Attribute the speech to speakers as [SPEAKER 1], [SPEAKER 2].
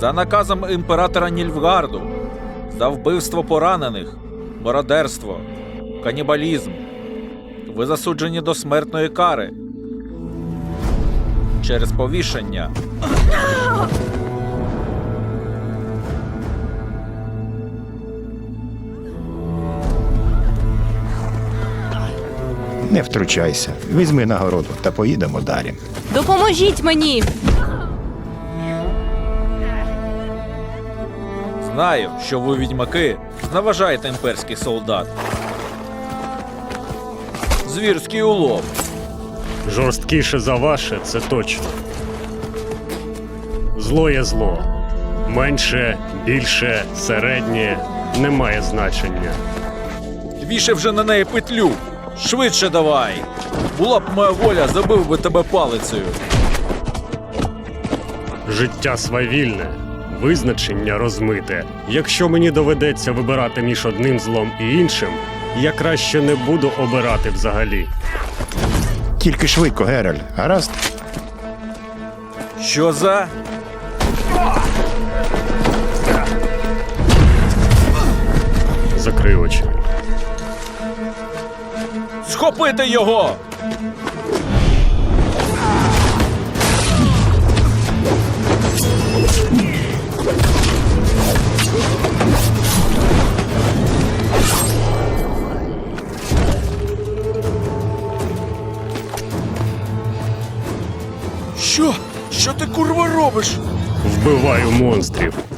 [SPEAKER 1] За наказом імператора Нільфгарду, за вбивство поранених, мародерство, канібалізм, ви засуджені до смертної кари через повішення.
[SPEAKER 2] Не втручайся. Візьми нагороду та поїдемо далі.
[SPEAKER 3] Допоможіть мені!
[SPEAKER 1] Знаю, що ви, відьмаки, зневажаєте імперський солдат. Звірський улов.
[SPEAKER 4] Жорсткіше за ваше, це точно. Зло є зло. Менше, більше, середнє – не має значення.
[SPEAKER 1] Вішай вже на неї петлю. Швидше давай. Була б моя воля, забив би тебе палицею.
[SPEAKER 4] Життя свавільне, визначення розмите. Якщо мені доведеться вибирати між одним злом і іншим, я краще не буду обирати взагалі.
[SPEAKER 2] Тільки швидко, Геральт, гаразд?
[SPEAKER 1] Що за?
[SPEAKER 4] Закрий очі.
[SPEAKER 1] Схопити його! Що? Що ти, курва, робиш?
[SPEAKER 4] Вбиваю монстрів.